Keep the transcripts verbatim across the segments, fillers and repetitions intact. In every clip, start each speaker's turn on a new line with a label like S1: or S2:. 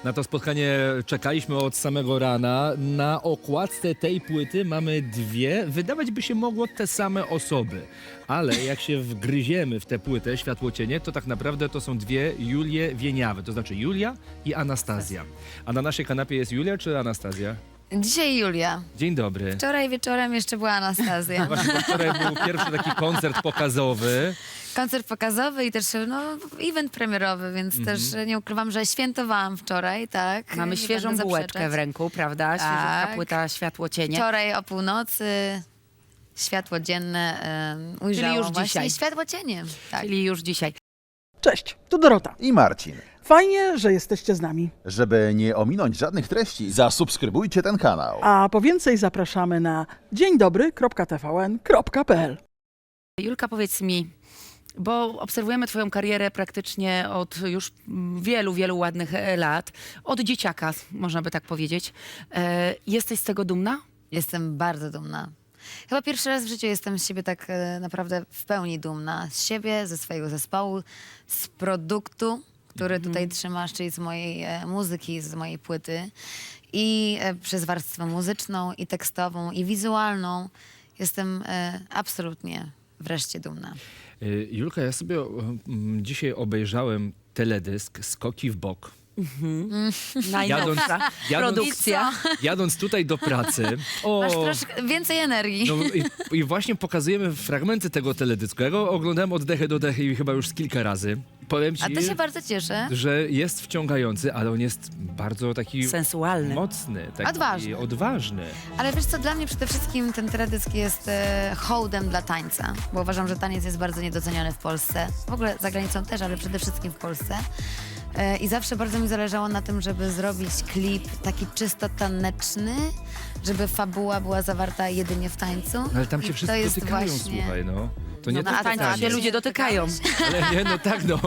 S1: Na to spotkanie czekaliśmy od samego rana. Na okładce tej płyty mamy dwie, wydawać by się mogło te same osoby. Ale jak się wgryziemy w tę płytę Światłocienie, to tak naprawdę to są dwie Julie Wieniawy. To znaczy Julia i Anastazja. A na naszej kanapie jest Julia czy Anastazja?
S2: Dzisiaj Julia.
S1: Dzień dobry.
S2: Wczoraj wieczorem jeszcze była Anastazja.
S1: Właśnie, bo wczoraj był pierwszy taki koncert pokazowy.
S2: Koncert pokazowy i też no, event premierowy, więc
S1: Mhm.
S2: też nie ukrywam, że świętowałam wczoraj, tak?
S3: Mamy
S2: Nie
S3: świeżą
S2: będę
S3: bułeczkę
S2: zaprzeczać.
S3: w ręku, prawda? Świeżutka
S2: Tak.
S3: płyta Światłocienie.
S2: Wczoraj o północy światło dzienne um, ujrzałam
S3: już
S2: właśnie
S3: dzisiaj.
S2: światłocienie. Tak.
S3: Czyli już dzisiaj.
S4: Cześć, tu Dorota.
S5: I Marcin.
S4: Fajnie, że jesteście z nami.
S5: Żeby nie ominąć żadnych treści, zasubskrybujcie ten kanał.
S4: A po więcej zapraszamy na dzień dobry kropka t v n kropka p l.
S3: Julka, powiedz mi, bo obserwujemy twoją karierę praktycznie od już wielu, wielu ładnych e, lat. Od dzieciaka, można by tak powiedzieć. E, jesteś z tego dumna?
S2: Jestem bardzo dumna. Chyba pierwszy raz w życiu jestem z siebie tak e, naprawdę w pełni dumna. Z siebie, ze swojego zespołu, z produktu, który tutaj trzymasz, czyli z mojej e, muzyki, z mojej płyty. I e, przez warstwę muzyczną, i tekstową, i wizualną. Jestem e, absolutnie wreszcie dumna.
S1: Y, Julka, ja sobie mm, dzisiaj obejrzałem teledysk Skoki w bok.
S3: Najnowsza
S1: jadąc-
S3: produkcja.
S1: Jadąc tutaj do pracy. O,
S2: Masz troszkę więcej energii.
S1: no i, i właśnie pokazujemy fragmenty tego teledysku. Ja go oglądałem od dechy do dechy i chyba już z kilka razy. Powiem ci,
S2: A to się bardzo cieszę.
S1: że jest wciągający, ale on jest bardzo taki
S3: Sensualny.
S1: mocny, taki
S2: Odważny.
S1: odważny.
S2: Ale wiesz co, dla mnie przede wszystkim ten teledysk jest e, hołdem dla tańca, bo uważam, że taniec jest bardzo niedoceniany w Polsce. W ogóle za granicą też, ale przede wszystkim w Polsce. E, I zawsze bardzo mi zależało na tym, żeby zrobić klip taki czysto taneczny, żeby fabuła była zawarta jedynie w tańcu.
S1: No, ale tam
S2: I
S1: się
S2: to
S1: wszyscy
S2: jest
S1: dotykają,
S2: właśnie...
S1: słuchaj, no. To nie
S2: No,
S1: to
S2: a
S3: Tańca
S1: taniec.
S3: się ludzie dotykają.
S1: Ale nie, no tak, no.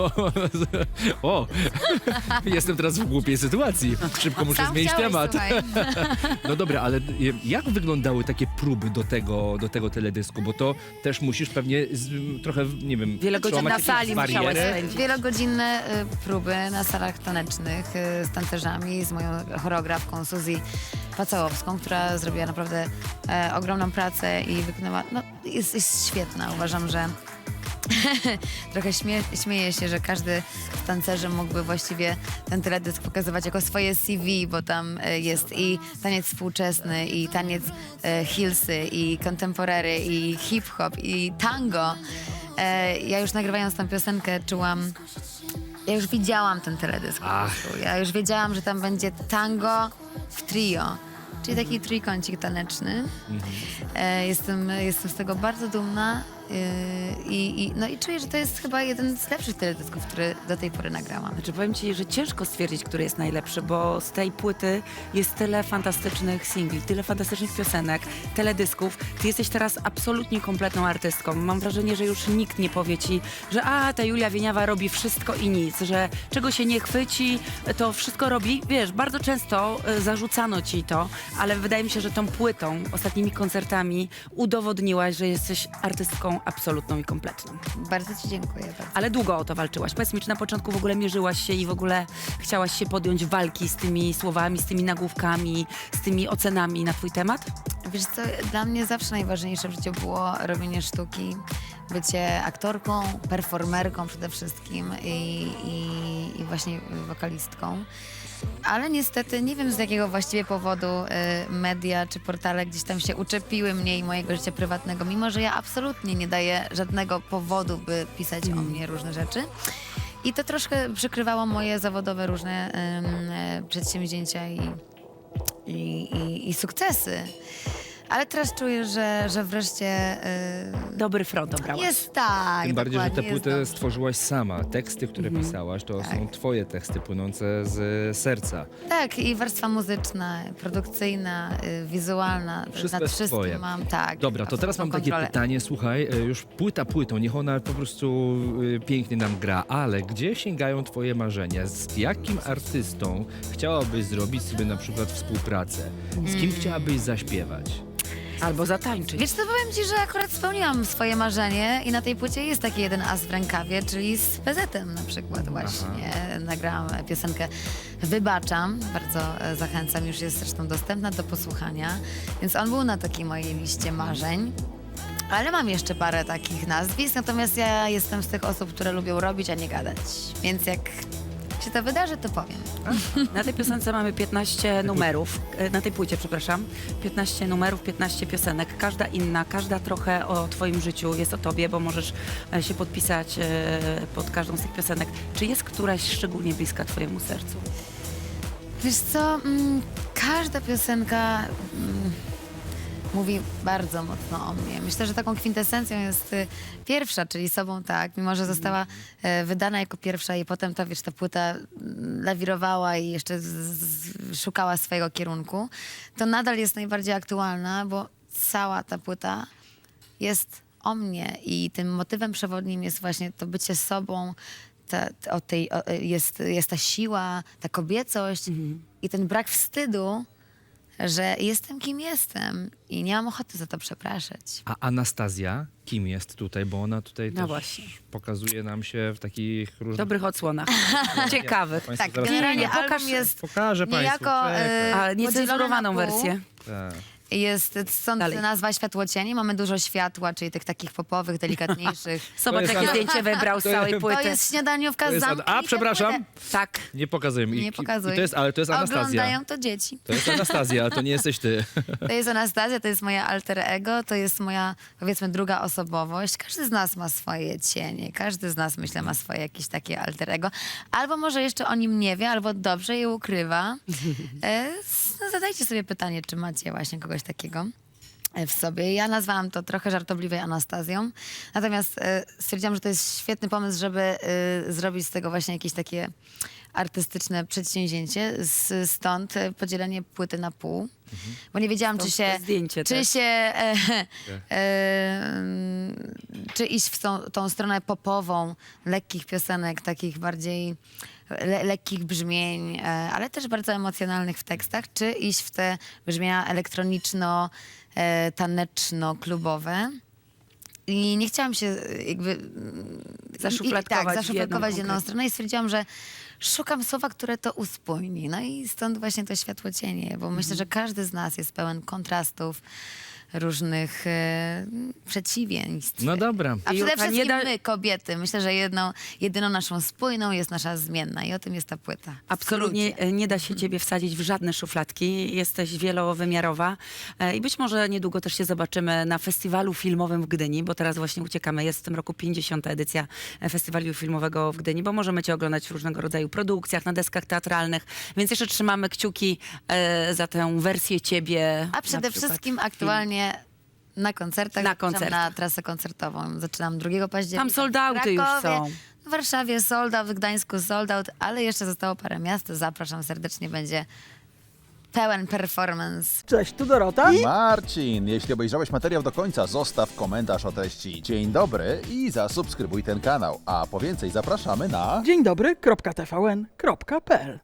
S1: O, jestem teraz w głupiej sytuacji. Szybko muszę
S2: Sam
S1: zmienić
S2: chciałeś,
S1: temat.
S2: słuchaj.
S1: No dobra, ale jak wyglądały takie próby do tego, do tego teledysku? Bo to też musisz pewnie z, trochę, nie wiem...
S3: Wiele godzin
S1: przełamać
S3: na
S1: jakieś
S3: sali
S1: bariery.
S3: musiałeś spędzić.
S2: Wielogodzinne y, próby na salach tanecznych y, z tancerzami, z moją choreografką Suzy Pacałowską, która zrobiła naprawdę e, ogromną pracę i wykonała, no jest, jest świetna. Uważam, że trochę śmie śmieję się, że każdy z tancerzy mógłby właściwie ten teledysk pokazywać jako swoje C V, bo tam e, jest i taniec współczesny, i taniec e, hillsy, i contemporary, i hip-hop, i tango. E, ja już nagrywając tę piosenkę czułam, ja już widziałam ten teledysk po
S1: Ach.
S2: prostu. Ja już wiedziałam, że tam będzie tango w trio, czyli taki trójkącik taneczny. E, jestem, jestem z tego bardzo dumna e, i, i, no i czuję, że to jest chyba jeden z lepszych teledysków, który do tej pory nagrałam.
S3: Znaczy powiem ci, że ciężko stwierdzić, który jest najlepszy, bo z tej płyty jest tyle fantastycznych singli, tyle fantastycznych piosenek, teledysków. Ty jesteś teraz absolutnie kompletną artystką. Mam wrażenie, że już nikt nie powie ci, że a, ta Julia Wieniawa robi wszystko i nic, że czego się nie chwyci, to wszystko robi. Wiesz, bardzo często y, zarzucano ci to, ale wydaje mi się, że tą płytą, ostatnimi koncertami udowodniłaś, że jesteś artystką absolutną i kompletną.
S2: Bardzo ci dziękuję. Bardzo.
S3: Ale długo o to walczyłaś. Powiedz mi, czy na początku w ogóle mierzyłaś się i w ogóle chciałaś się podjąć walki z tymi słowami, z tymi nagłówkami, z tymi ocenami na twój temat?
S2: Wiesz co, dla mnie zawsze najważniejsze w życiu było robienie sztuki, bycie aktorką, performerką przede wszystkim i, i, i właśnie wokalistką. Ale niestety nie wiem z jakiego właściwie powodu y, media czy portale gdzieś tam się uczepiły mnie i mojego życia prywatnego, mimo że ja absolutnie nie daję żadnego powodu, by pisać o mnie różne rzeczy. I to troszkę przykrywało moje zawodowe różne ym, y, przedsięwzięcia i, i, i, i sukcesy. Ale teraz czuję, że, że wreszcie y,
S3: Dobry front obrałaś.
S2: jest tak.
S1: Tym bardziej, że tę
S2: dokładnie, jest
S1: płytę
S2: dobrze.
S1: stworzyłaś sama. Teksty, które pisałaś, to
S2: Tak.
S1: są twoje teksty płynące z serca.
S2: Tak, i warstwa muzyczna, produkcyjna, y, wizualna.
S1: Wszystko
S2: Nad
S1: jest
S2: wszystkim
S1: twoje.
S2: mam, tak.
S1: Dobra, to teraz mam
S2: absolutną
S1: takie
S2: kontrolę.
S1: pytanie, słuchaj, e, już płyta płytą, niech ona po prostu e, pięknie nam gra, ale gdzie sięgają twoje marzenia? Z jakim artystą chciałabyś zrobić sobie na przykład współpracę? Z kim
S2: Mm.
S1: chciałabyś zaśpiewać?
S3: Albo zatańczyć.
S2: Wiesz co, powiem ci, że akurat spełniłam swoje marzenie i na tej płycie jest taki jeden as w rękawie, czyli z P Z-em na przykład właśnie. nagrałam piosenkę Wybaczam. Bardzo e, zachęcam, już jest zresztą dostępna do posłuchania. Więc on był na takiej mojej liście marzeń. Ale mam jeszcze parę takich nazwisk, natomiast ja jestem z tych osób, które lubią robić, a nie gadać. Więc jak się to wydarzy, to powiem.
S3: Na tej piosence mamy piętnaście numerów, e, na tej płycie, przepraszam, piętnaście numerów, piętnaście piosenek, każda inna, każda trochę o twoim życiu, jest o tobie, bo możesz e, się podpisać e, pod każdą z tych piosenek. Czy jest któraś szczególnie bliska twojemu sercu?
S2: Wiesz co, mm, każda piosenka mm, mówi bardzo mocno o mnie. Myślę, że taką kwintesencją jest y, pierwsza, czyli Sobą tak, mimo że została e, wydana jako pierwsza i potem ta, wiesz, ta płyta mm, lawirowała i jeszcze z, z, szukała swojego kierunku, to nadal jest najbardziej aktualna, bo cała ta płyta jest o mnie i tym motywem przewodnim jest właśnie to bycie sobą, ta, ta, o tej, o, jest, jest ta siła, ta kobiecość i ten brak wstydu, że jestem kim jestem i nie mam ochoty za to przepraszać.
S1: A Anastazja kim jest tutaj? Bo ona tutaj
S3: No
S1: też
S3: właśnie.
S1: pokazuje nam się w takich różnych...
S3: Dobrych odsłonach, ciekawych.
S1: Państwo
S2: Tak,
S1: zaraz
S2: generalnie
S1: pokażą.
S2: album jest
S1: Pokażę Państwu.
S2: niejako
S1: czekaj.
S2: e,
S3: A
S2: podzielony
S3: niecenzurowaną
S2: na pół.
S3: wersję.
S1: Tak.
S2: Jest stąd
S3: Dalej.
S2: nazwa Światłocieni. Mamy dużo światła, czyli tych takich popowych, delikatniejszych.
S3: Zobacz,
S1: jest
S3: jakie
S1: Ana-
S3: zdjęcie wybrał z
S1: to
S3: całej
S1: jest-
S3: płyty.
S2: To jest śniadaniówka
S1: To
S2: z
S1: jest
S2: zamkiem.
S1: Ad- A,
S2: i tę
S1: przepraszam.
S2: płytę
S3: Tak.
S1: Nie pokazuję mi.
S2: Nie
S1: I-
S2: pokazuj.
S1: I to jest, ale to jest Anastazja.
S2: Oglądają to dzieci.
S1: To jest Anastazja, a to nie jesteś ty.
S2: To jest Anastazja, to jest moje alter ego, to jest moja, powiedzmy, druga osobowość. Każdy z nas ma swoje cienie, każdy z nas, myślę, ma swoje jakieś takie alter ego. Albo może jeszcze o nim nie wie, albo dobrze je ukrywa. E, s- no, zadajcie sobie pytanie, czy macie właśnie kogoś takiego w sobie. Ja nazwałam to trochę żartobliwej Anastazją. Natomiast e, stwierdziłam, że to jest świetny pomysł, żeby e, zrobić z tego właśnie jakieś takie artystyczne przedsięwzięcie. Z, stąd e, podzielenie płyty na pół. Bo nie wiedziałam, czy
S3: Stąd
S2: się...
S3: to zdjęcie
S2: czy
S3: też.
S2: się... E, e, mm, czy iść w tą, tą stronę popową, lekkich piosenek, takich bardziej le, lekkich brzmień, e, ale też bardzo emocjonalnych w tekstach, czy iść w te brzmienia elektroniczno, e, taneczno-klubowe. I nie chciałam się e, jakby... mm,
S3: Zaszufladkować
S2: i, tak,
S3: w jedną
S2: zaszufladkować w jedną
S3: konkretną.
S2: stronę i stwierdziłam, że szukam słowa, które to uspójni. No i stąd właśnie to światłocienie, bo myślę, że każdy z nas jest pełen kontrastów, różnych e, przeciwieństw.
S1: No dobra.
S2: A
S3: Julka,
S2: przede
S3: nie
S2: wszystkim
S3: da-
S2: my, kobiety. Myślę, że jedną, jedyną naszą spójną jest nasza zmienna i o tym jest ta płyta. W
S3: Absolutnie
S2: skrócie.
S3: e, nie da się ciebie wsadzić w żadne szufladki. Jesteś wielowymiarowa e, i być może niedługo też się zobaczymy na festiwalu filmowym w Gdyni, bo teraz właśnie uciekamy. Jest w tym roku pięćdziesiąta edycja e, festiwalu filmowego w Gdyni, bo możemy cię oglądać w różnego rodzaju produkcjach, na deskach teatralnych, więc jeszcze trzymamy kciuki e, za tę wersję ciebie.
S2: A przede
S3: na przykład
S2: wszystkim
S3: w
S2: aktualnie na koncertach.
S3: Na
S2: zapraszam
S3: koncertach.
S2: na trasę koncertową. Zaczynam drugiego października.
S3: Tam sold outy
S2: w
S3: już
S2: Krakowie,
S3: są.
S2: W Warszawie sold out, w Gdańsku sold out, ale jeszcze zostało parę miast. Zapraszam serdecznie, będzie pełen performance.
S4: Cześć, tu Dorota.
S5: Marcin, jeśli obejrzałeś materiał do końca, zostaw komentarz o treści. Dzień dobry i zasubskrybuj ten kanał. A po więcej zapraszamy na...
S4: Dzień dobry, kropka T V N, kropka P L.